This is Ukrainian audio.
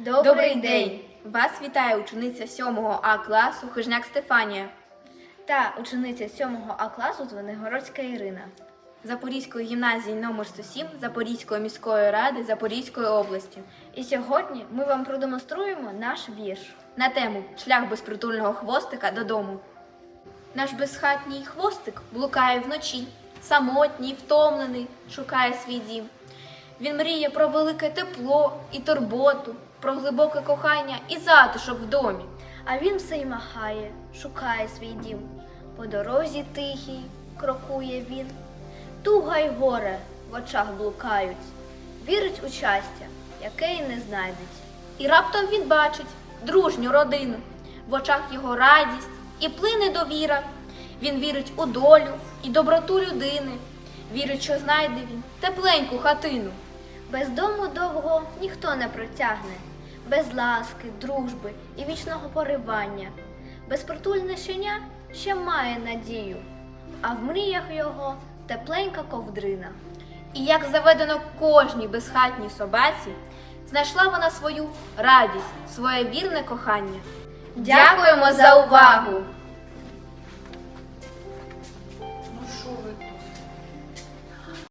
Добрий день! Вас вітає учениця 7 А класу Хижняк Стефанія та учениця 7 А класу Звенигородська Ірина. Запорізької гімназії номер 107 Запорізької міської ради Запорізької області. І сьогодні ми вам продемонструємо наш вірш На тему «Шлях безпритульного хвостика додому». Наш безхатній хвостик блукає вночі, самотній, втомлений, шукає свій дім. Він мріє про велике тепло і турботу, про глибоке кохання і затишок в домі. А він все й махає, шукає свій дім. По дорозі тихій крокує він. Туга й горе в очах блукають. Вірить у щастя, яке й не знайдеть. І раптом він бачить дружню родину. В очах його радість і плине довіра. Він вірить у долю і доброту людини. Вірить, що знайде він тепленьку хатину. Без дому довго ніхто не протягне, без ласки, дружби і вічного поривання. Безпритульне щеня ще має надію, а в мріях його тепленька ковдрина. І як заведено кожній безхатній собаці, знайшла вона свою радість, своє вірне кохання. Дякуємо за увагу!